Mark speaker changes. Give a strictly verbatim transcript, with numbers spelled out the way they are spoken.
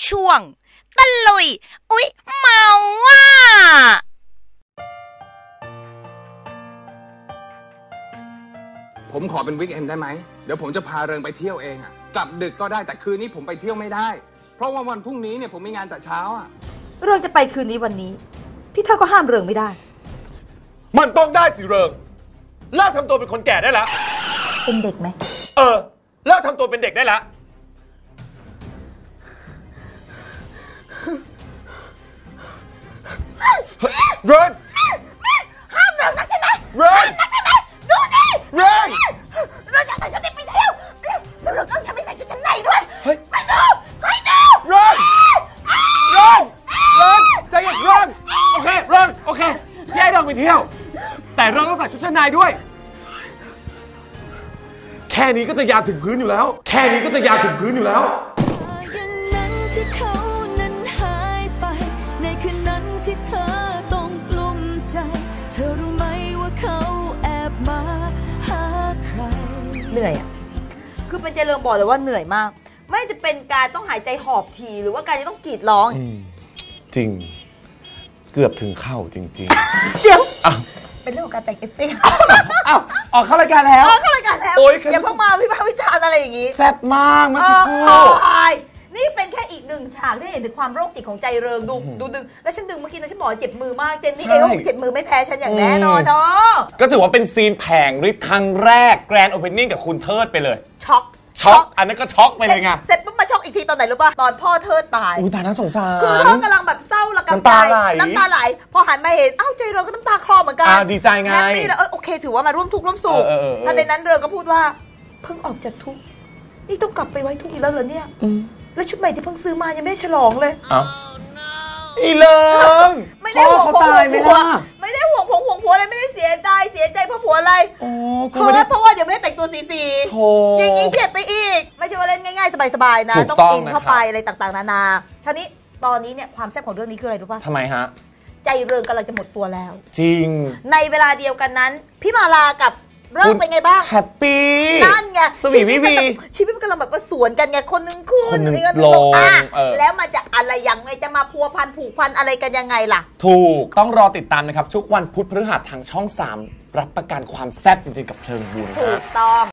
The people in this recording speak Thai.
Speaker 1: ช่วงตะลุยอุ๊ยเมาว่ะ
Speaker 2: ผมขอเป็นวีคเอนด์ได้ไหมเดี๋ยวผมจะพาเริงไปเที่ยวเองอ่ะกลับดึกก็ได้แต่คืนนี้ผมไปเที่ยวไม่ได้เพราะว่าวันพรุ่งนี้เนี่ยผมมีงานแต่เช้าอ่ะ
Speaker 3: เริงจะไปคืนนี้วันนี้พี่เท่าก็ห้ามเริงไม่ได้
Speaker 4: มันต้องได้สิเริงเลิกทำตัวเป็นคนแก่ได้แล้ว
Speaker 3: เป็นเด็กไหม
Speaker 4: เออเลิกทำตัวเป็นเด็กได้แล้วเริง
Speaker 3: ห้ามเริงนักใช่ไหม
Speaker 4: เริง
Speaker 3: นักใช่ไหมดูดิ
Speaker 4: เริง
Speaker 3: เริงจะใส่ชุดไปเที่ยวแล้วเริงก็จะไม่ใส่ชุดชั้นในด้วยไปดูไปดู
Speaker 4: เริงเริงเริงใจเย็นเริงโอเคเริงโอเคแยกเริงไปเที่ยวแต่เริงต้องใส่ชุดชั้นในด้วยแค่นี้ก็จะยาวถึงพื้นอยู่แล้วแค่นี้ก็จะยาวถึงพื้นอยู่แล้ว
Speaker 5: อย่างนั้นที่เขานั้นหายไปในคืนนั้นที่เธอต้องกลุ้มใจเธอรู้ไหมว่าเขาแอบมาหาใคร
Speaker 3: เหนื่อยอ่ะคือเป็นใจเริงบอกเลยว่าเหนื่อยมากไม่จะเป็นการต้องหายใจหอบทีหรือว่าการจะต้องกรีดร้อง
Speaker 4: จริงเกือบถึงเข้าจริง
Speaker 3: ๆเดี๋ยวเป็นเรื่องของการแต่งเอฟเฟกต์
Speaker 4: อ้าวออกเข้ารายการแล้ว
Speaker 3: ออกเข้ารายการแล้วอย่าเพิ่งมาวิพากษ์วิจารณ์อะไรอย่างนี้
Speaker 4: แซ่บมากเมื่อสักครู่
Speaker 3: นี่เป็นแค่อีกหนึ่งฉากที่เห็นถึงความโรคจิตของใจเริงดูดูดึงแล้วฉันดึงเมื่อกี้นะฉันบอกเจ็บมือมากเจนนี่เอวเจ็บมือไม่แพ้ฉันอย่างแน่นอนเนาะ
Speaker 4: ก็ถือว่าเป็นซีนแผงฤทธิ์ครั้งแรกแกรนด์โอเพนนิ่งกับคุณเทิดไปเลย
Speaker 3: ช็อก
Speaker 4: ช็อกอันนั้นก็ช็อกไปเลยไง
Speaker 3: เสร็จปุ๊บมาช็อกอีกทีตอนไหนรู้ป่ะตอนพ่อเทิดตาย
Speaker 4: อุ้ยตายน่าสงสาร
Speaker 3: คือเทิดกำลังแบบเศร้าระกำใจน้ำตาไหลพอหันมาเห็นอ้าวใจเริงก็น้ำตาคลอเหมือนกัน
Speaker 4: ดีใจไง
Speaker 3: แฮปปี้แล้วโอเคถือว่ามาร่วมทุกข์ร่วมสุขทันใดนั้นเริงก็พูดว่าเพิ่งออกจากทุกข์นี่ต้องกลับไปไว้ทุกข์อีกแล้วเหรอเนี่ยแล้วชุดใหม่ที่เพิ่งซื้อมายังไม่ฉลองเลย
Speaker 4: อ้าวอีเลิง
Speaker 3: ไม่ได้ห่วงผัวไม่ได้ห่วงผัวห่วงผัวอะไรไม่ได้เสียใจเสียใจเพราะผัวอะไรเพราะเพราะว่าเดี๋ยวไม่ได้แต่งตัวสีสีอย่างนี้เจ็บไปอีกไม่ใช่ว่าเล่นง่ายๆสบายๆนะต้องอินเข้าไปอะไรต่างๆนานาทีนี้ตอนนี้เนี่ยความแซ่บของเรื่องนี้คืออะไรรู้ป่ะ
Speaker 4: ทำไมฮะ
Speaker 3: ใจเริงกำลังจะหมดตัวแล้ว
Speaker 4: จริง
Speaker 3: ในเวลาเดียวกันนั้นพี่มาลากับเริ่มเป็นไงบ้าง
Speaker 4: แฮปปี้
Speaker 3: นั่นไง
Speaker 4: สวีวิวี
Speaker 3: ชีวิตมันกำลังแบบว่าสวนกันไงคนนึงขึ้น
Speaker 4: คนนึง
Speaker 3: ลงอ่ะ
Speaker 4: เออ
Speaker 3: แล้วมันจะอะไรยังไงจะมาพัวพันผูกพันอะไรกันยังไงล่ะ
Speaker 4: ถูกต้องรอติดตามนะครับทุกวันพุธพฤหัสทางช่องสามรับประกันความแซ่บจริงๆกับเพลิงบุญ
Speaker 3: ถูกต้อง